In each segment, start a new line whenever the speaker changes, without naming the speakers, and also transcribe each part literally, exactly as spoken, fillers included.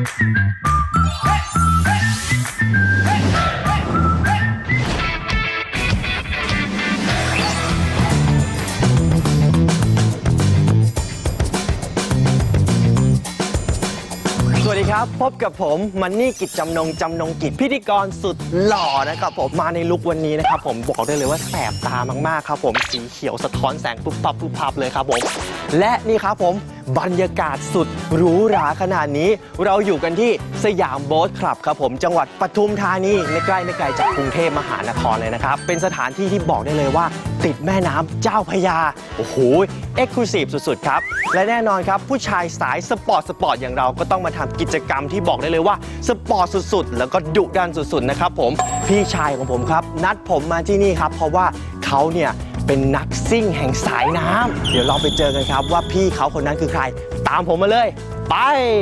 สวัสดีครับพบกับผมมันนี่กิจจำนงจำนงกิจพิธีกรสุดหล่อนะครับผมมาในลุควันนี้นะครับผมบอกได้เลยว่าแสบตามากๆครับผมสีเขียวสะท้อนแสงปุ๊บปับปุ๊บปับเลยครับผมและนี่ครับผมบรรยากาศสุดหรูหราขนาดนี้เราอยู่กันที่สยามโบ๊ทคลับครับผมจังหวัดปทุมธานีไม่ใกล้ไม่ไกลจากกรุงเทพมหานครเลยนะครับเป็นสถานที่ที่บอกได้เลยว่าติดแม่น้ำเจ้าพระยาโอ้โหเอ็กซ์คลูซีฟสุดๆครับและแน่นอนครับผู้ชายสายสปอร์ตสปอร์ตอย่างเราก็ต้องมาทำกิจกรรมที่บอกได้เลยว่าสปอร์ตสุดๆแล้วก็ดุดันสุดๆนะครับผมพี่ชายของผมครับนัดผมมาที่นี่ครับเพราะว่าเขาเนี่ยเป็นนักซิ่งแห่งสายน้ำเดี๋ยวเราไปเจอกันครับว่าพี่เขาคนนั้นคือใครตามผมมาเลยไป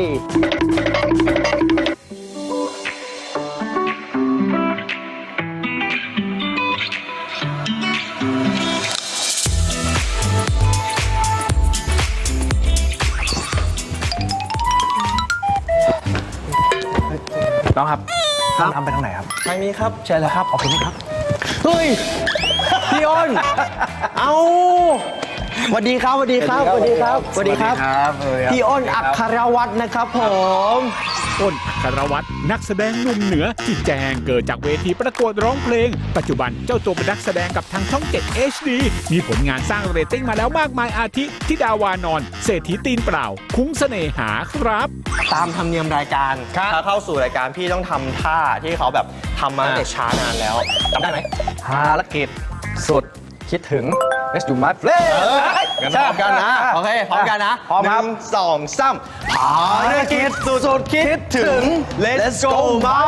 น้องครับห้องน้ำไปทางไหนครับ
ทางนี้ครับ
ใช่แล้วครับขอบคุณครับ
เฮ้ยพี่อ้นเอาสวัสดีครับสวัสดีครับสวัสดีครับสวัสดีครับพี่อ้นอัครวัฒน์นะครับผม
อ้นอัครวัฒน์นักแสดงหนุ่มเหนือที่แจ้งเกิดจากเวทีประกวดร้องเพลงปัจจุบันเจ้าตัวเป็นนักแสดงกับทางช่องเจ็ด เอช ดี มีผลงานสร้างเรตติ้งมาแล้วมากมายอาทิธิดาวานอนเศรษฐีตีนเปล่าคุ้งเสน่หาครับ
ตามธรรมเนียมรายการถ้าเข้าสู่รายการพี่ต้องทำท่าที่เขาแบบทำมาตั้งแต่ช้านานแล้วจำได้ไหม
ภารกิจสุดคิดถึง Let's do my play
กันพร้อมกันนะโอเคพร้อมกันนะ
พร้อมครับ
หนึ่งสองสามภารกิจสุดคิดถึง Let's go my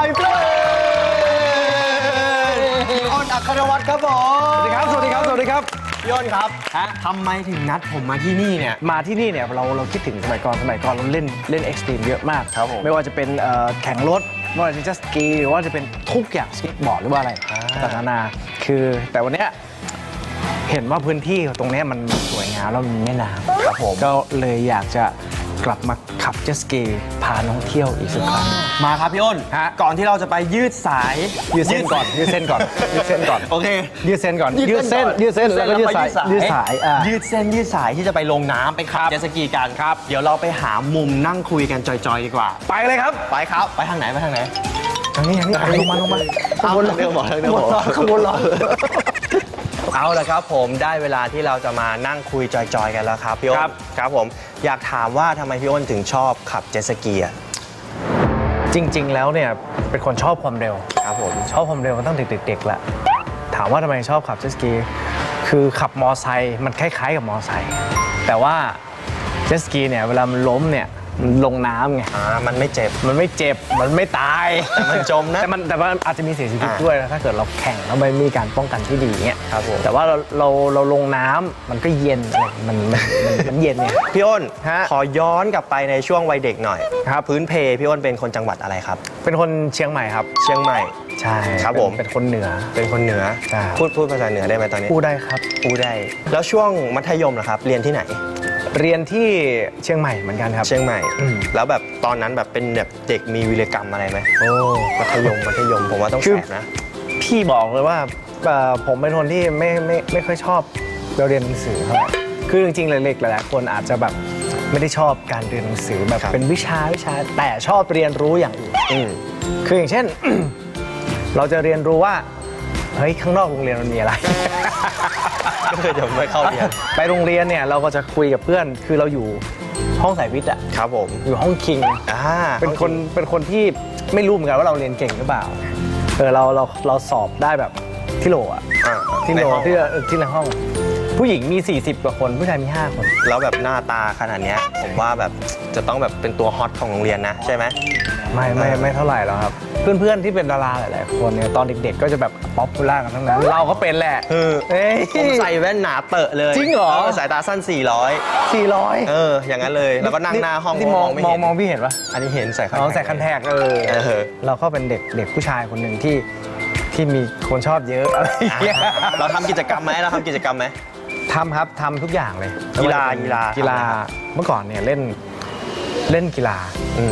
friend พี่อ้นอัครวัฒน์ครับผม
สวัสดีครับสวัสดีครับสวัสดีครับ
พี่อ้นครับทำไมถึงนัดผมมาที่นี่เนี่ย
มาที่นี่เนี่ยเราเราคิดถึงสมัยก่อนสมัยก่อนเราเล่นเล่นเอ็กซ์ตรีมเยอะมาก
ครับผม
ไม่ว่าจะเป็นแข่งรถไม่ว่าจะเป็นสกีหรือว่าจะเป็นทุกอย่างสเก็ตบอร์ดหรือว่าอะไรต่างๆนานาคือแต่วันเนี้ยเห็นว่าพื้นที่ตรงนี้มันสวยงามแล้วมีแม่น้ำ
ครับผม
ก็เลยอยากจะกลับมาขับเจ็ตสกีพาน้องเที่ยวอีกสักครั้ง
มาครับพี่อ้นก่อนที่เราจะไปยืดสาย
ยืดเส้นก่อนยืดเส้นก่อนยืดเส้นก่อน
โอเค
ยืดเส้นก่อนยืดเส้นยืดเส้นแล้วก็ยืดสายยืดสาย
ยืดเส้นยืดสายที่จะไปลงน้ำไปขับเจ็ตสกีกันครับเดี๋ยวเราไปหามุมนั่งคุยกันจอยๆดีกว่า
ไปเลยครับ
ไปครับไปทางไหนไปทางไหน
ทางนี้ทางนี้ลงมาลงมา
ข้างบนเรื่องหมดเรื่องหมด
ข้างบนรอ
เอาละครับผมได้เวลาที่เราจะมานั่งคุยจอยๆกันแล้วครับพี่อ้นครับผมอยากถามว่าทำไมพี่อ้นถึงชอบขับเจ็ตสกีอ่ะ
จริงๆแล้วเนี่ยเป็นคนชอบความเร็ว
ครับผม
ชอบความเร็วมาตั้งแต่เด็กๆแหละถามว่าทำไมชอบขับเจ็ตสกีคือขับมอไซค์มันคล้ายๆกับมอไซค์แต่ว่าเจ็ตสกีเนี่ยเวลามันล้มเนี่ยมันลงน้ำไง
อ่ามันไม่เจ็บ
มันไม่เจ็บมันไม่ตาย
แต่มันจมนะ
แต่มันแต่ว่าอาจจะมีเสียชีวิตด้วยนะถ้าเกิดเราแข่งแล้วไม่มีการป้องกันที่ดีเงี้ย
ครับผม
แต่ว่าเราเราเราลงน้ำมันก็เย็นอะไรมันมันมันเย็นเนี่ย
พี่อ้นขอย้อนกลับไปในช่วงวัยเด็กหน่อย
ครับ
พื้นเพพี่อ้นเป็นคนจังหวัดอะไรครับ
เป็นคนเชียงใหม่ครับ
เชียงใหม่
ใช่
ครับผม
เป็นคนเหนือ
เป็นคนเหนือพูดพูดภาษาเหนือได้ไหมตอนนี้
พูดได้ครับ
พูดได้แล้วช่วงมัธยมล่ะครับเรียนที่ไหน
เรียนที่เชียงใหม่เหมือนกันครับ
เชียงใหม่แล้วแบบตอนนั้นแบบเป็นแบบเด็กมีวีรกรรมอะไรไหม
โอ้
มัธยมมัธยมผมว่าต้องแสบนะ
พี่บอกเลยว่าผมเป็นคนที่ไม่ไม่ไม่ค่อยชอบเรียนหนังสือเท่าไหร่คือจริงๆเล็กๆหลายๆคนอาจจะแบบไม่ได้ชอบการเรียนหนังสือแบบเป็นวิชาวิชาแต่ชอบเรียนรู้อย่างอื่นคืออย่างเช่น เราจะเรียนรู้ว่าเฮ้ยข้างนอกโรงเรียนมันมีอะไร
ก็คือจะไม่เข้าเรียน
ไปโรงเรียนเนี่ยเราก็จะคุยกับเพื่อนคือเราอยู่ห้องสายวิทย์อ่ะ
ครับผม
อยู่ห้องคิง
อ่า
เป็นคนเป็นคนที่ไม่รู้เหมือนกันว่าเราเรียนเก่งหรือเปล่าเออเราเราเราสอบได้แบบที่โหลอ่ะที่โหลที่ที่ในห้องผู้หญิงมีสี่สิบกว่าคนผู้ชายมีห้าคน
แล้วแบบหน้าตาขนาดนี้ผมว่าแบบจะต้องแบบเป็นตัวฮอตของโรงเรียนนะใช่ไหม
ไม่ไม่ไม่เท่าไหร่แล้วครับเพื่อนๆที่เป็นดาราหลายๆคนเนี่ยตอนเด็กๆก็จะแบบป๊อปปูล่ากันทั้งนั้นเราก็เป็นแหละ
เออผมใส่แว่นหนาเตอะเลย
จริงเหรอ
สายตาสั้นสี่ร้อย
สี่ร้อย
เอออย่างนั้นเลยแล้วก็นั่งหน้าห้อง
มองมองมองพี่เห็นปะ
อันนี้เห็นใส่คัน
ใส่คันแทกเออเราก็เป็นเด็กเด็กผู้ชายคนหนึ่งที่ที่มีคนชอบเยอะอะไรอย่างเงี้ย
เราทำกิจกรรมไหมเราทำกิจกรรมไหม
ทำครับทำทุกอย่างเลย
กีฬากีฬา
กีฬาเมื่อก่อนเนี่ยเล่นเล่นกีฬา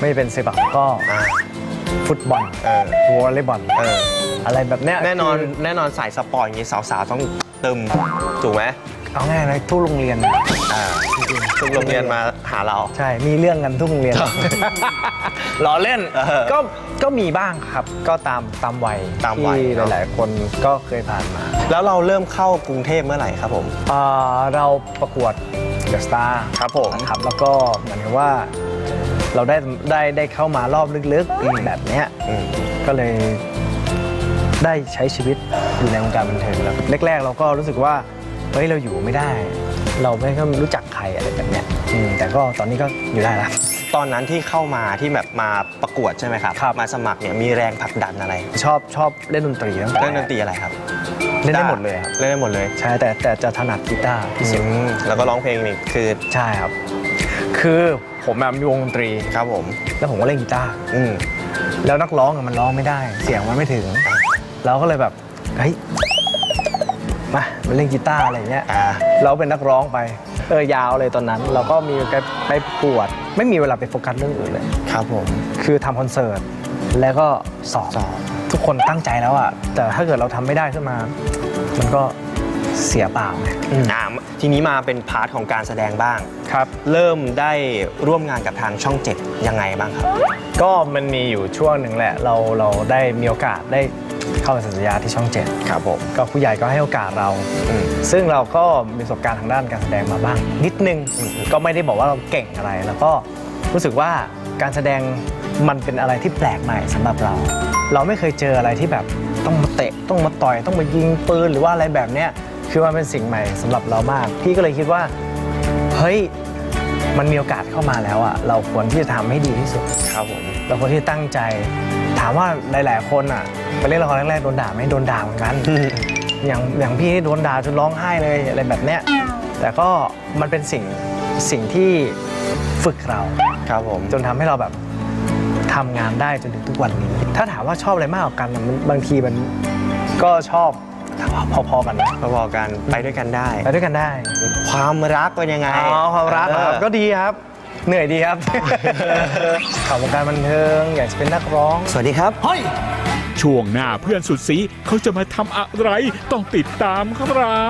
ไม่เป็นเซปักก็
อ่า
ฟุตบอล
เออ
วอลเลย์บอล
เออ
อะไรแบบเนี้ย
แน่นอน
คือ
แน่นอนสายสปอร์ตอย่างนี้สาวๆต้องตึมถูกไหม
เอาง่ายเลยทุกโรงเรียน
อ่าทุกโรงเรียนมาหาเรา
ใช่มีเรื่องกันทุกโรงเรียน ล้อเล่น
เออ
ก็ก็มีบ้างครับ ก็ตามตามวัย
ตามวัย
ที่
เนอะ
หลายๆ คนก็เคยผ่านมา
แล้วเราเริ่มเข้ากรุงเทพเมื่อไหร่ครับผม
เอ่อเราประกวดเดอะสตาร์
ครับผม
นะครับแล้วก็เหมือนกับว่าเราได้ได้ได้เข้ามารอบลึก
อืม
ๆ แบบเนี้ย
อืม
ก็เลยได้ใช้ชีวิตอยู่ในวงการบันเทิงแล้วแรกๆ เราก็รู้สึกว่าเฮ้ยเราอยู่ไม่ได้ เราไม่ค่อยรู้จักใครอะไรแบบเนี้ยอืมแต่ก็ตอนนี้ก็อยู่ได้ละ
ตอนนั้นที่เข้ามาที่แบบมาประกวดใช่ไหมครับ
ครับ
มาสมัครเนี่ยมีแรงผลักดันอะไร
ชอบชอบเล่นดนตรีตั้งแต่
เล่นดนตรีอะไรครับ
เล่นได้หมดเลยครับ
เล่นได้หมดเลย
ใช่แต่แต่จะถนัดกีตาร์ที่สุด
อืมแล้วก็ร้องเพลงนี่คือ
ใช่ครับ คือผมอะมีวงดนตรี
ครับผม
แล้วผมก็เล่นกีตาร์
อืม
แล้วนักร้องอะมันร้องไม่ได้ เสียงมันไม่ถึง เราก็เลยแบบเฮ้ยมามาเล่นกีตาร์อะไรเงี้ย
อ่า
เราเป็นนักร้องไปเออยาวเลยตอนนั้น เราก็มีไปไปประกวด ไม่มีเวลาไปโฟกัสเรื่องอื่นเลย
ครับผม
คือทำคอนเสิร์ตแล้วก็สอบ
สอบ
ทุกคนตั้งใจแล้วอะแต่ถ้าเกิดเราทำไม่ได้ขึ้นมา มันก็เสียเปล่าไง
อ่าทีนี้มาเป็นพาร์ทของการแสดงบ้าง
ครับ
เริ่มได้ร่วมงานกับทางช่องเจ็ดยังไงบ้างครับ
ก็มันมีอยู่ช่วงหนึ่งแหละ เราเราได้มีโอกาสได้เข้าสัญญาที่ช่องเจ็ด
ครับผม
ก็ผู้ใหญ่ก็ให้โอกาสเรา
อืม
ซึ่งเราก็มีประสบการณ์ทางด้านการแสดงมาบ้าง นิดนึง
อืม
ก็ไม่ได้บอกว่าเราเก่งอะไร แล้วก็รู้สึกว่าการแสดงมันเป็นอะไรที่แปลกใหม่สำหรับเรา เราไม่เคยเจออะไรที่แบบต้องมาเตะต้องมาต่อยต้องมายิงปืนหรือว่าอะไรแบบเนี้ยคือมันเป็นสิ่งใหม่สำหรับเรามาก พี่ก็เลยคิดว่าเฮ้ยมันมีโอกาสเข้ามาแล้วอ่ะเราควรที่จะทำให้ดีที่สุด
ครับผม
เราควรที่จะตั้งใจ ถามว่าหลาย ๆ คนอ่ะไปเล่นละครแรกๆโดนด่าไหมโดนด่าเหมือนกัน อย่างอย่างพี่โดนด่าจนร้องไห้เลยอะไรแบบเนี้ยแต่ก็มันเป็นสิ่งสิ่งที่ฝึกเรา
ครับผม
จนทำให้เราแบบทำงานได้จนถึงทุกวันนี้ ถ้าถามว่าชอบอะไรมากกว่ากันอะมันบางทีมันก็ชอบพอๆกันนะ
พอๆกันไปด้วยกันได้
ไปด้วยกันได้
ความรักเป็นยังไง
อ๋อความรักเหรอครับ
เออ
ก็ดีครับ เหนื่อยดีครับ ข่าววงการบันเทิงอยากจะเป็นนักร้อง
สวัสดีครับ
ช่วงหน้าเพื่อนสุดสีเขาจะมาทำอะไรต้องติดตามครับ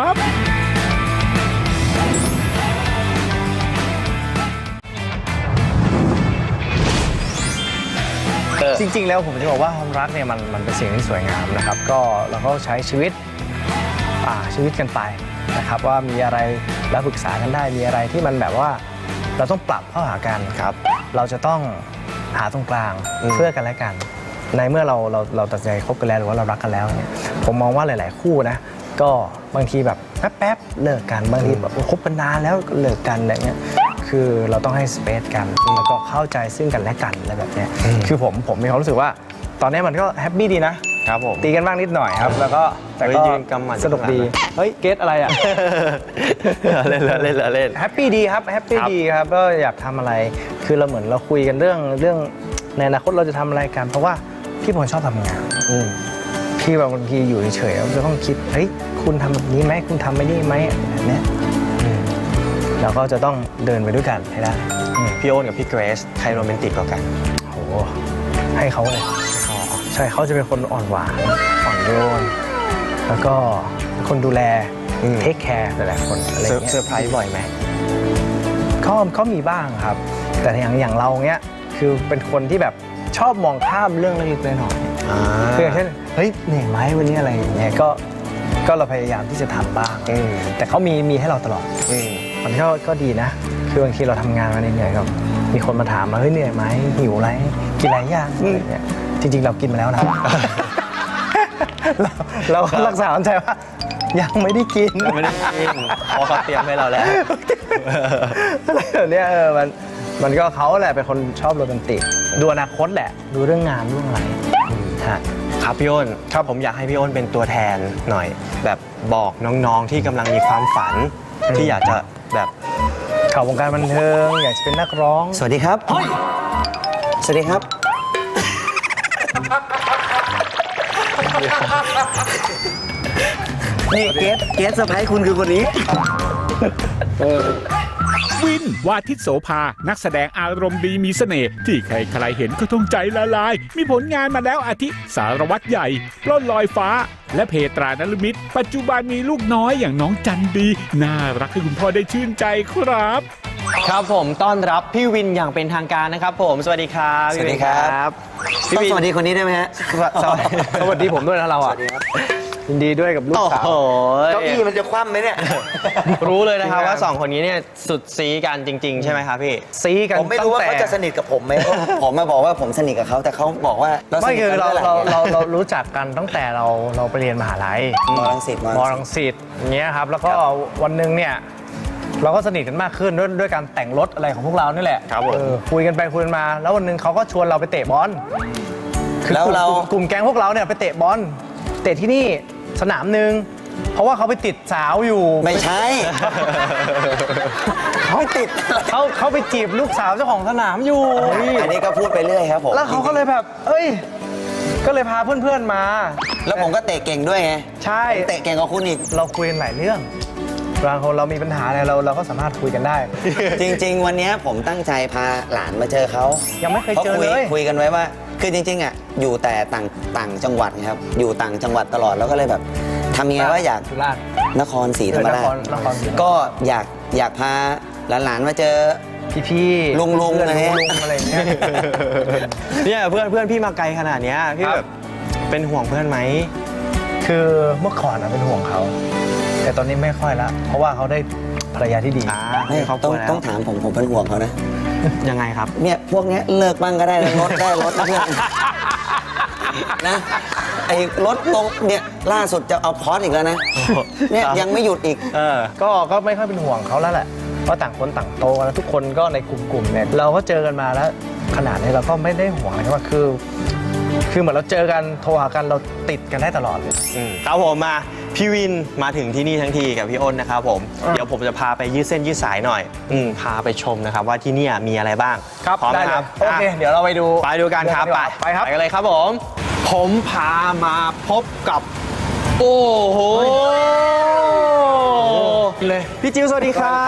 จริง ๆ แล้วผมจะบอกว่าความรักเนี่ยมันมันเป็นสิ่งที่สวยงามนะครับ ก็เราก็ใช้ชีวิตอ่าชีวิตกันไปนะครับ ว่ามีอะไรแล้วปรึกษากันได้มีอะไรที่มันแบบว่าเราต้องปรับเข้าหากัน
ครับ
เราจะต้องหาตรงกลาง
อืม
เพื่อกันและกัน ในเมื่อเราเราเราตัดสินใจคบกันแล้วหรือว่าเรารักกันแล้วเนี่ยผมมองว่าหลาย ๆ คู่นะก็บางทีแบบแป๊บๆเลิกกันบางทีแบบคบกันนานแล้วก็เลิกกันอะไรเงี้ยคือเราต้องให้สเปซกันแล้วก็เข้าใจซึ่งกันและกันอะไรแบบเนี้ยคือผมผมมีความรู้สึกว่า ตอนนี้มันก็แฮปปี้ดีนะครับ
ผม
ตีกันบ้างนิดหน่อยครับ แล้วก็แต่
เฮ้
ก็
ยยืนกำหมัด
สนุกดีเฮ้ยเกตอะไรอ่ะ
เล่นเล่นเล่นเล่น
แฮปปี้ดีครับแฮปปี้
ครับ
ดีครับก็อยากทำอะไรคือเราเหมือนเราคุยกันเรื่องเรื่องในอนาคตเราจะทำอะไรกัน เพราะว่าพี่ผมชอบทำงาน
อืม
พี่บางทีอยู่เฉยๆเราจะต้องคิดเฮ้ยคุณทำแบบนี้ไหมคุณทำไม่ได้ไหมแบบเนี้ยอืมเราก็จะต้องเดินไปด้วยกันให้ได้อืม
พี่โอนกับพี่เกรซใครโรแมนติกกว่ากัน
โหให้เขาเลยใช่เขาจะเป็นคนอ่อนหวานอ่อนโยนแล้วก็เป็นคนดูแล
อืม
เทคแคร์หลายๆคนอะไรอ
เซอร์
ย่างเงี้ย
เซอร์ไพรส์บ่อยไหม
เขาเขามีบ้างครับ แต่อย่างอย่างเราเนี้ยคือเป็นคนที่แบบชอบมองข้ามเรื่องเล็กๆน้อย
อ่า
ๆคืออย่างเช่นเฮ้ยเหนื่อยไหมวันนี้อะไรอย่างเงี้ยก็ก็เราพยายามที่จะทำบ้าง
อืม
แต่เขามีมีให้เราตลอด
อืม
มันก็ก็ดีนะ คือบางทีเราทำงานมาเหนื่อยๆกับมีคนมาถามมาเฮ้ยเหนื่อยไหมหิวอะไรกินอะไรย่างอะไรเงี้ยจริง ๆ เรากินมาแล้วนะ เราเราก็รักษาใจว่ายังไม่ได้กิน
ไม่ได้กินเพราะเขาเตรียมให้เราแล้ว
อะไรแบบเนี้ยเออมันมันก็เขาแหละเป็นคนชอบโรแมนติกดูอนาคตแหละ ดูเรื่องงานเรื่องอะไรฮะ
ครับพี่อ้นครับผมอยากให้พี่อ้นเป็นตัวแทนหน่อย แบบบอกน้องๆที่กำลังมีความฝัน
อืม
ที่อยากจะแบบ
ข่าววงการบันเทิงอยากจะเป็นนักร้อง
สวัสดีครับสวัสดีครับ นี่เกสเกสเซอร์ไพรส์คุณคือคนนี้
วิน วาทิตโสภา นักแสดงอารมณ์ดีมีเสน่ห์ที่ใครๆเห็นก็ต้องใจละลาย มีผลงานมาแล้วอาทิสารวัตรใหญ่ ปล้นลอยฟ้า และเพตรานฤมิตปัจจุบันมีลูกน้อยอย่างน้องจันดี น่ารักให้คุณพ่อได้ชื่นใจครับ
ครับผมต้อนรับพี่วินอย่างเป็นทางการนะครับผมสวัสดีครับ
สวัสดีครับ
พี่
ต้อง
วิน
สวัสดีคนนี้ได้ไหมฮะ
สวัสดีสวัสดีผมด้วยนะเราอ่ะยินดีด้วยกับลูก
โอ้
สาว
โห
เก้าอี้มันจะคว่ำไหมเนี่ย
รู้เลยนะครับ
จริงๆ
ว่าสองคนนี้เนี่ยสุดซีกันจริง ๆ ใช่ไหมครับพี่
ซีกัน
ผมไม่รู้ว่า
ตั้ง
เขา
แต่
จะสนิทกับผมไหมเพราะผมมาบอกว่าผมสนิทกับเขาแต่เขาบอกว่าเราส
ไม่
นิท
คือ
กัน
เรา
เมื่อไหร่
เรา
เนี่ย
เราเรารู้จักกันตั้งแต่เราเราไปเรียนมหาลัย
มรังสิตม
มรังสิตอย่างเงี้ยครับแล้วก็วันหนึ่งเนี่ยเราก็สนิทกันมากขึ้นด้วยด้วยการแต่งรถอะไรของพวกเรานี่แหละ
ครับผม
เออคุยกันไปคุยกันมา แล้ววันหนึ่งเขาก็ชวนเราไปเตะบอลคือ
แล้วเรา
กลุ่มกลุ่มแก๊งพวกเราเนี่ยไปเตะบอลเตะที่นี่สนามหนึ่งเพราะว่าเขาไปติดสาวอยู่
ไม่ใช่ เขาไม่ติด
เขาเขาไปจีบลูกสาวเจ้าของสนามอยู่
อันนี้ก็พูดไปเรื่อยครับผม
แล้วเขาก็เลยแบบ เอ้ย ก็เลยพาเพื่อนๆมา
แล้วผมก็เตะเก่งด้วยไง
ใช่
ผมเตะเก่งกว่าคุณอีก
เราคุยกันหลายเรื่องบางคนเรามีปัญหาอะไรเราเราก็สามารถคุยกันได้
จริง ๆ วันนี้ผมตั้งใจพาหลานมาเจอเขา
ยังไม่เคยเจอ
พราะ
เลย
คุยกันไว้ว่า คือจริงๆอ่ะอยู่แต่ต่างต่างจังหวัดนะครับอยู่ต่างจังหวัดตลอดแล้วก็เลยแบบทำยังไงว่าอยาก
สุราษฎร์
นครศรีธรรมราช
นครนครศรีธรรมราช
ก็อยากอยากพาหลานๆมาเจอ
พี่ๆ
ลุงๆ
เพื่อน
อะไรเงี้ย
ลุงๆอะไรอย่างเงี้ย
เนี่ยเพื่อนเพื่อนพี่มาไกลขนาดเนี้ยพี่
ครับ
แบบเป็นห่วงเพื่อนไหม
คือเมื่อก่อนอะเป็นห่วงเขา แต่ตอนนี้ไม่ค่อยละเพราะว่าเขาได้ภรรยาที่ดี
อ่า
ไม่
ให้ครอบค
ต้
รั
อง
วแล้ว
ต้องถามผมผมเป็นห่วงเขานะ
ยังไงครับ
เนี่ยพวกเนี้ยเลิกบ้างก็ได้นะรถได้รถนะเพื่อนนะไอ้รถตรงเนี่ยล่าสุดจะเอาพอร์ตอีกแล้วนะเนี่ยยังไม่หยุดอีก
เออ
ก็ก็ไม่ค่อยเป็นห่วงเขาแล้วแหละเพราะต่างคนต่างโตกันแล้วทุกคนก็ในกลุ่มๆเนี่ยเราก็เจอกันมาแล้วขนาดนี้เราก็ไม่ได้ห่วงอะไรว่าคือ คือเหมือนเราเจอกันโทรหากันเราติดกันได้ตลอดเลย
อืมครับผมมาพี่วินมาถึงที่นี่ทั้งทีกับพี่อ้นนะครับผม
อ่ะ
เดี๋ยวผมจะพาไปยืดเส้นยืดสายหน่อยอืมพาไปชมนะครับว่าที่เนี่ยมีอะไรบ้างพร้อม
ได้
นะ
เล
ค
ย
รับ
โอเค
อ่ะ
เดี๋ยวเราไปดู
ไปดูกันครับ
เดิ
ไป
ไปครับ
ไปกันเลยครับผม ผมพามาพบกับ โอ้โหเลยพี่จิวสวัสดีครับ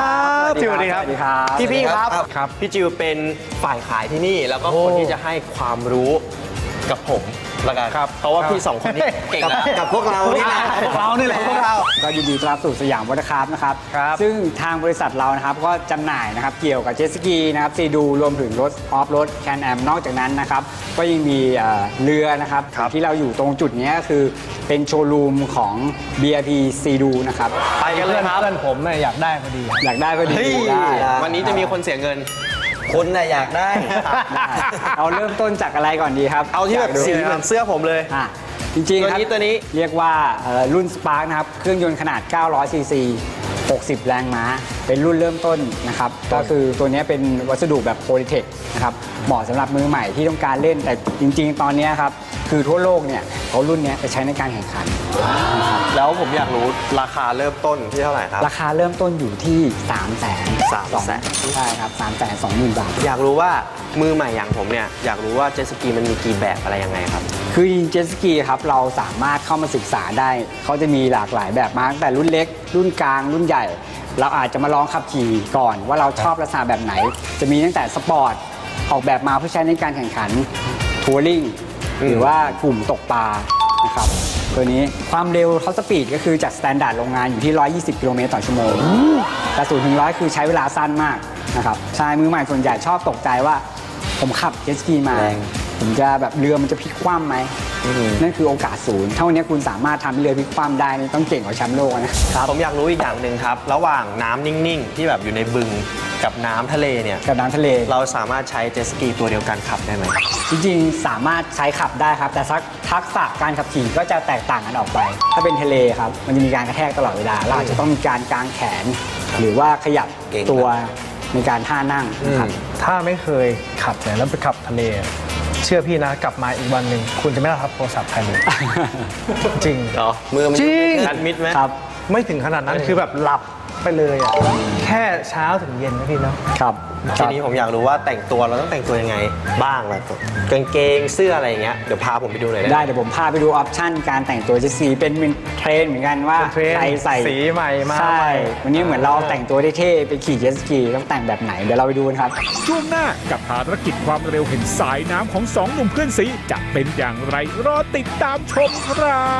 สวัสดีครับสวัสดีครับ
พี่พี่ครับ
ครับ
ครับพี่จิวเป็นฝ่ายขายที่นี่ แล้วก็
โอ้
คนที่จะให้ความรู้กับผมละกัน
ครับ
เพราะว่าพี่สองคนนี้เก่ง
กับ
แล้ว
กับพวกเรานี่แหละ
พวกเรานี่แหละพวกเรา
ก็ยินดีต้อนรับสู่สยามวอเตอร์คราฟต์นะครับ
ครับ
ซึ่งทางบริษัทเรานะครับก็จำหน่ายนะครับเกี่ยวกับเจ็ตสกีนะครับซีดูรวมถึงรถออฟโรดแคนแอมนอกจากนั้นนะครับก็ยังมีเอ่อเรือนะครับ
ครับ
ที่เราอยู่ตรงจุดนี้ก็คือเป็นโชว์รูมของ บี อาร์ พี ซีดูนะครับ
ไปกันเลยครับ
เพื่อนผมเนี่ยอยากได้พอดี
อยากได้ก็ดี
เฮ้ย
ได้
วันนี้จะมีคนเสียเงิน
คุณน่ะอยากได้
ได้เอาเริ่มต้นจากอะไรก่อนดีครับ
เอาที่แบบ
ยกดู
สีเหมือนเสื้อผมเลย
อ่ะจริงๆครับ
ตัวนี้ตัวนี้
เรียกว่าเอ่อรุ่น Spark นะครับ เครื่องยนต์ขนาด เก้าร้อยซีซี หกสิบ แรงม้า เป็นรุ่นเริ่มต้นนะครับ ก็คือตัวนี้เป็นวัสดุแบบโพลิเทคนะครับ เหมาะสำหรับมือใหม่ที่ต้องการเล่น แต่จริงๆ ตอนนี้ครับ คือทั่วโลกเนี่ยเขารุ่นเนี้ยไปใช้ในการแข่งขัน
แล้วผมอยากรู้ราคาเริ่มต้นที่เท่าไหร่ครับ
ราคาเริ่มต้นอยู่ที่ 3 0 0 0 0 0
สามแสน
ใช่ครับ 3 2 0 0 0 0 บาท
อยากรู้ว่ามือใหม่อย่างผมเนี่ยอยากรู้ว่าเจ็ตสกีมันมีกี่แบบอะไรยังไงครับ
คือจริงเจ็ตสกีครับเราสามารถเข้ามาศึกษาได้ เขาจะมีหลากหลายแบบมากตั้งแต่รุ่นเล็ก รุ่นกลาง รุ่นใหญ่ เราอาจจะมาลองขับขี่ก่อนว่าเราชอบลักษณะแบบไหน จะมีตั้งแต่สปอร์ตออกแบบมาเพื่อใช้ในการแข่งขันทัวริงหรือว่ากลุ่มตกปลานะครับตัวนี้ความเร็วท็อปสปีดก็คือจากสแตนดาร์ดโรงงานอยู่ที่ หนึ่งร้อยยี่สิบ กิโลเมตรต่อชั่วโมงแต่ศูนย์ถึงร้อยคือใช้เวลาสั้นมากนะครับชายมือใหม่ส่วนใหญ่ชอบตกใจว่าผมขับเจ็ตสกีมา
แรง
ผมจะแบบเรือมันจะพลิกคว่ำไหม นั่นคือโอกาสศูนย์เท่านี้คุณสามารถทำให้เรือพลิกคว่ำได้นี่ต้องเก่งกว่าแชมป์โลกนะ
ผมอยากรู้อีกอย่างหนึ่งครับ ระหว่างน้ำนิ่งๆ ที่แบบอยู่ในบึงกับน้ำทะเลเนี่ย
กับน้ำทะเล
เราสามารถใช้เจ็ตสกีตัวเดียวกันขับได้ไหม
จริงๆ สามารถใช้ขับได้ครับ แต่ทักทักษะการขับขี่ก็จะแตกต่างกันออกไป ถ้าเป็นทะเลครับ มันจะมีการกระแทกตลอดเวลา เราอาจจะต้องมีการกางแขน หรือว่าขยับ
เก่ง
ตัวในการท่านั่งนะครับ
ถ้าไม่เคยขับเนี่ยแล้วไปขับทะเล เชื่อพี่นะกลับมาอีกวันหนึ่งคุณจะไม่ได้รับโทรศัพท์ใครเลย จริง
เหรอ
มือมัน
จริง
แอดมิดไหม
ครับ
ไม่ถึงขนาดนั้นคือแบบหลับไปเลยอ่ะแค่เช้าถึงเย็นนะพี่เนาะ
ครับ
ทีนี้ผมอยากรู้ว่าแต่งตัวเราต้องแต่งตัวยังไงบ้างล่ะกางเกงเสื้ออะไรอย่างเงี้ยเดี๋ยวพาผมไปดูหน่อยได้ไหม
ได้เดี๋ยวผมพาไปดูออปชั่นการแต่งตัวเจตสกีเป็นเทรนด์เหมือนกันว่า
เป็นเทรนด์
ใครใส่
สีใหม่มา
ใช่
ใหม่
วันนี้เหมือนเราแต่งตัวเท่ๆไปขี่เจตสกีต้องแต่งแบบไหนเดี๋ยวเราไปดูกันครับ
ช่วงหน้ากับภารกิจความเร็วเห็นสายน้ำของสองหนุ่มเพื่อนสีจะเป็นอย่างไรรอติดตามชมครับ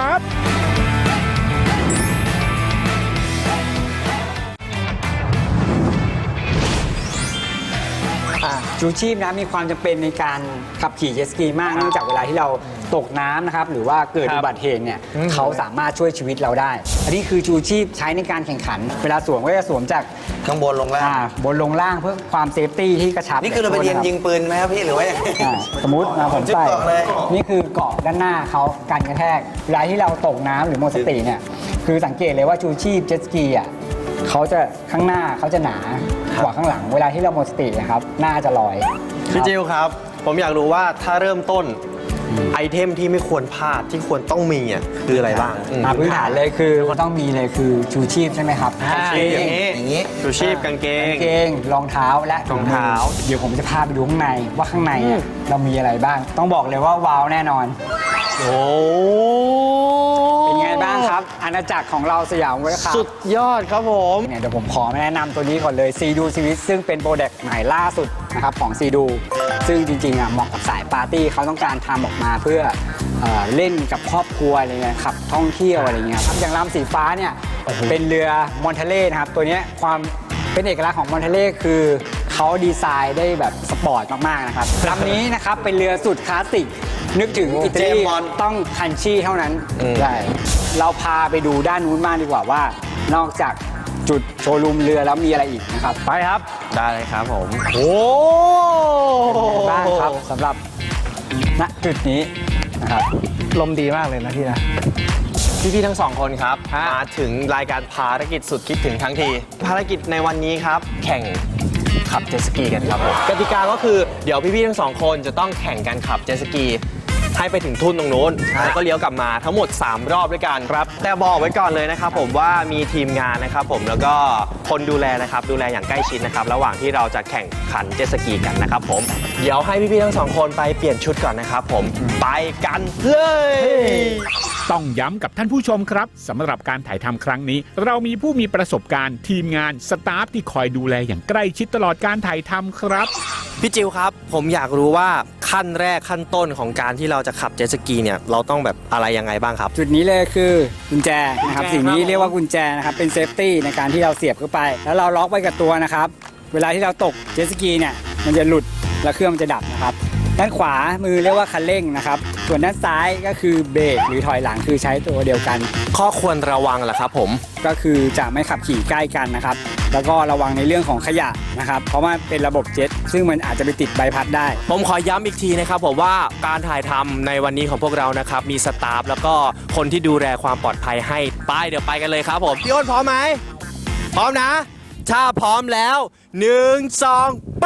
ชูชีพนะมีความจำเป็นในการขับขี่เจ็ตสกีมากเนื่องจากเวลาที่เราตกน้ำนะครับหรือว่าเกิด
ครับ
อุบัติเหตุเนี่ยเขาสามารถช่วยชีวิตเราได้ อันนี้คือชูชีพใช้ในการแข่งขัน เวลาสวมก็จะสวมจาก
ข้างบนลงล่าง
อ่าบนลงล่างเพื่อความเซฟตี้ที่กระชับ
นี่คือเราไปเรียนยิงปืนไหมครับพี่หรือว่าอย่างไร
อ่าสมมตินะผม
จิ๊บ
ใส่
เกาะเลย
นี่คือเกาะด้านหน้าเขากันกระแทกเวลาที่เราตกน้ำหรือหมดสติเนี่ยคือสังเกตเลยว่าชูชีพเจ็ตสกีอ่ะเขาจะข้างหน้าเขาจะหนากว่าข้างหลัง เวลาที่เราหมดสตินะครับหน้าจะลอย
พี่จิวครับ ผมอยากรู้ว่าถ้าเริ่มต้นไอเทมที่ไม่ควรพลาดที่ควรต้องมีอ่ะคืออะไรบ้างอืม
อ่าพื้นฐานเลยคือต้องมีเลยคือชูชีพใช่ไหมครับ
ชูชีพอย่างนี้
อย่างนี้
ชูชีพกางเกง
กางเกงรองเท้าและ
รองเท้า
เดี๋ยวผมจะพาไปดูข้างในว่าข้างในอ่ะเรามีอะไรบ้าง ต้องบอกเลยว่าว้าวแน่นอน
โอ้
เป็นไงบ้างครับ อาณาจักรของเราสยามเวลคัพ
สุดยอดครับผม
เนี่ยเดี๋ยวผมขอแนะนำตัวนี้ก่อนเลยซีดูซีวิตซึ่งเป็นโปรดักต์ใหม่ล่าสุดนะครับของซีดูซึ่งจริงๆอ่ะเหมาะกับสายปาร์ตี้เขาต้องการทำออกมาเพื่อเอ่อเล่นกับครอบครัวอะไรเงี้ยขับท่องเที่ยวอะไรเงี้ยครับอย่างลำสีฟ้าเนี่ยเป็นเรือมอนเทเล่นะครับตัวเนี้ยความเป็นเอกลักษณ์ของมอนเทเล่คือเขาดีไซน์ได้แบบสปอร์ตมากๆนะครับลำนี้นะครับเป็นเรือสุดคลาสสิกนึกถึงอิตาลี
เจมส์บอนด์
ต้องคันชี่เท่านั้นใช่เราพาไปดูด้านนู้นบ้างดีกว่าว่านอกจากจุดโชว์รูมเรือแล้วมีอะไรอีกนะครับไปครับ
ได้เลยครับผม โอ้
เป็นไงบ้างครับสำหรับณจุดนี้นะครับ
ลมดีมากเลยนะพี่นะ
พี่ๆทั้งสองคนครับมาถึงรายการภารกิจสุดคิดถึงทั้งที ภารกิจในวันนี้ครับ แข่งขับเจ็ตสกีกันครับผมกติกาก็คือเดี๋ยวพี่ๆทั้งสองคนจะต้องแข่งกันขับเจ็ตสกีให้ไปถึงทุ่นตรงนู้นแล้วก็เลี้ยวกลับมาทั้งหมดสามรอบด้วยกันครับแต่บอกไว้ก่อนเลยนะครับผมว่ามีทีมงานนะครับผมแล้วก็คนดูแลนะครับดูแลอย่างใกล้ชิดนะครับระหว่างที่เราจะแข่งขันเจ็ตสกีกันนะครับผมเดี๋ยวให้พี่ๆทั้งสองคนไปเปลี่ยนชุดก่อนนะครับผมไปกันเลย
ต้องย้ำกับท่านผู้ชมครับสำหรับการถ่ายทำครั้งนี้ เรามีผู้มีประสบการณ์ทีมงานสตาฟที่คอยดูแลอย่างใกล้ชิดตลอดการถ่ายทำครับ
พี่จิวครับผมอยากรู้ว่าขั้นแรกขั้นต้นของการที่เราจะขับเจ็ตสกีเนี่ยเราต้องแบบอะไรยังไงบ้างครับ
จุดนี้เลยคือกุญแจนะครับ
กุญแจ
สิ่งนี้
ครับ
เรียกว่ากุญแจนะครับเป็นเซฟตี้ในการที่เราเสียบเข้าไป แล้วเราล็อกไว้กับตัวนะครับ เวลาที่เราตกเจ็ตสกีเนี่ยมันจะหลุดแล้วเครื่องมันจะดับนะครับด้านขวามือเรียกว่าคันเร่งนะครับส่วนด้านซ้ายก็คือเบรกหรือถอยหลังคือใช้ตัวเดียวกัน
ข้อควรระวังเหรอครับผม
ก็คือจะไม่ขับขี่ใกล้กันนะครับ แล้วก็ระวังในเรื่องของขยะนะครับ เพราะว่าเป็นระบบเจ็ตซึ่งมันอาจจะไปติดใบพัดได้
ผมขอย้ำอีกทีนะครับผมว่าการถ่ายทำในวันนี้ของพวกเรานะครับมีสตาฟแล้วก็คนที่ดูแลความปลอดภัยให้ไปเดี๋ยวไปกันเลยครับผมพี่อ้นพร้อมไหมพร้อมนะ ถ้าพร้อมแล้วหนึ่งสองไป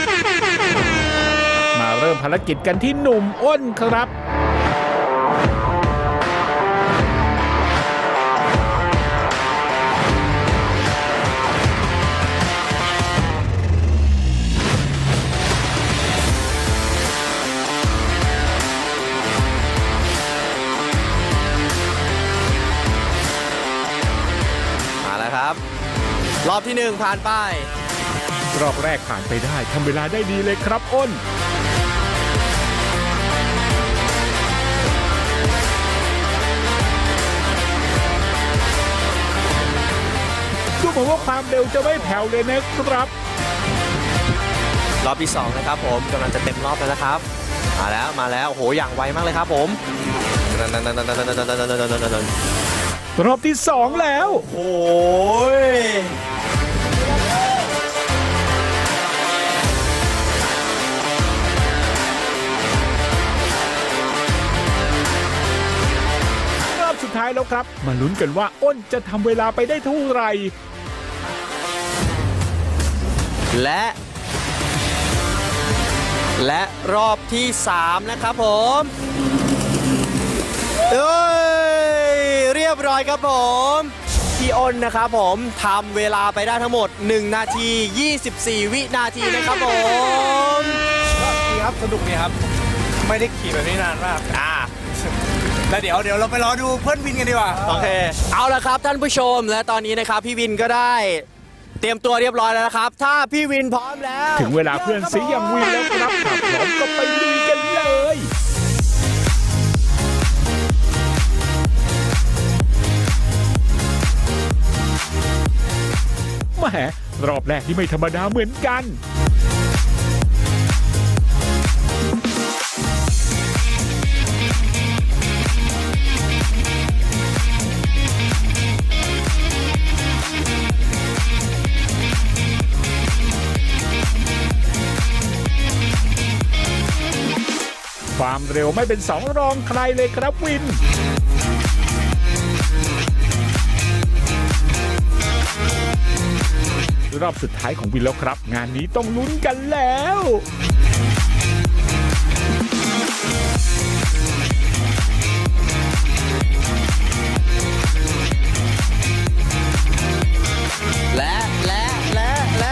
มาเริ่มภารกิจกันที่หนุ่มอ้นครับ
มาแล้วครับ รอบที่หนึ่งผ่านไป
รอบแรกผ่านไปได้ทำเวลาได้ดีเลยครับอ้นดูเหมือนว่าความเร็วจะไม่แผ่วเลยนะครับ
รอบที่สองนะครับผมกำลังจะเต็มรอบแล้วนะครับ มาแล้วมาแล้วโอ้โหอย่างไวมากเลยครับผม
รอบที่สองแล้ว
โอ้ย
รอบสุดท้ายแล้วครับ มาลุ้นกันว่าอ้นจะทำเวลาไปได้เท่าไหร่
และ และรอบที่สามนะครับผมเอ้ยเรียบร้อยครับผมพี่อ้นนะครับผมทำเวลาไปได้ทั้งหมดหนึ่งนาทียี่สิบสี่วินาทีนะครับผม
ดีครับสนุกดีครับ ไม่ได้ขี่แบบนี้นานมาก
อ่า
แล้วเดี๋ยวเดี๋ยวเราไปรอดูเพื่อนวินกันดีกว่า
โอเค เอาละครับท่านผู้ชมและตอนนี้นะครับพี่วินก็ได้เตรียมตัวเรียบร้อยแล้วนะครับ ถ้าพี่วินพร้อมแล้ว
ถึงเวลาเพื่อนสีอย่างวินแล้วครับถ้าพร้อมก็ไปลุยกันเลยแหมรอบแรกที่ไม่ธรรมดาเหมือนกัน ความเร็วไม่เป็นสองรองใครเลยครับวิน รอบสุดท้ายของวินแล้วครับ งานนี้ต้องลุ้นกันแล้ว
และและและและ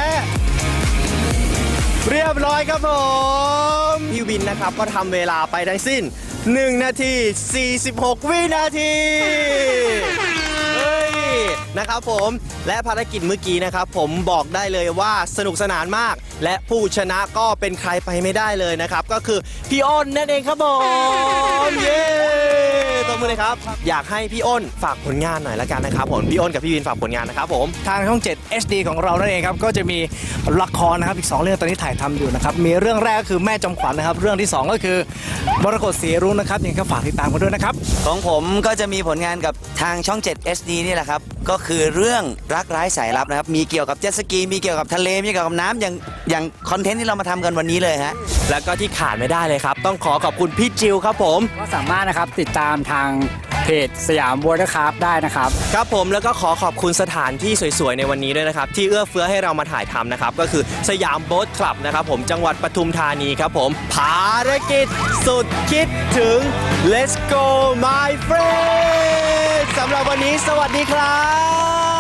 เรียบร้อยครับผมพี่วินนะครับก็ทำเวลาไปทั้งสิ้นหนึ่งนาทีสี่สิบหกวินาทีเฮ้ยนะครับผมและภารกิจเมื่อกี้นะครับผมบอกได้เลยว่าสนุกสนานมาก และผู้ชนะก็เป็นใครไปไม่ได้เลยนะครับก็คือพี่อ้นนั่นเองครับผมเย้ตบมือเลยครับอยากให้พี่อ้นฝากผลงานหน่อยละกันนะครับผมพี่อ้นกับพี่วินฝากผลงานนะครับผม
ทางช่อง เจ็ด เอช ดี ของเรานั่นเองครับก็จะมีละครนะครับอีกสองเรื่องตอนนี้ถ่ายทำอยู่นะครับมีเรื่องแรกก็คือแม่จอมขวัญนะครับเรื่องที่สองก็คือมรกตสีรุ้งนะครับยังไงก็ฝากติดตามกันด้วยนะครับ
ของผมก็จะมีผลงานกับทางช่อง เจ็ด เอช ดี นี่แหละครับ ก็คือเรื่องรักร้ายสายลับนะครับ มีเกี่ยวกับเจ็ตสกี มีเกี่ยวกับทะเล มีเกี่ยวกับน้ำอย่างอย่างคอนเทนต์ที่เรามาทำกันวันนี้เลยฮะ
แล้วก็ที่ขาดไม่ได้เลยครับ ต้องขอขอบคุณพี่จิวครับผม
ก็สามารถนะครับติดตามทางเพจสยามวอเตอร์คราฟได้นะครับ
ครับผมแล้วก็ขอขอบคุณสถานที่สวยๆในวันนี้ด้วยนะครับ ที่เอื้อเฟื้อให้เรามาถ่ายทำนะครับ ก็คือสยามโบ๊ทคลับนะครับผมจังหวัดปทุมธานีครับผมภารกิจสุดคิดถึง Let's go my friend สำหรับวันนี้สวัสดีครับ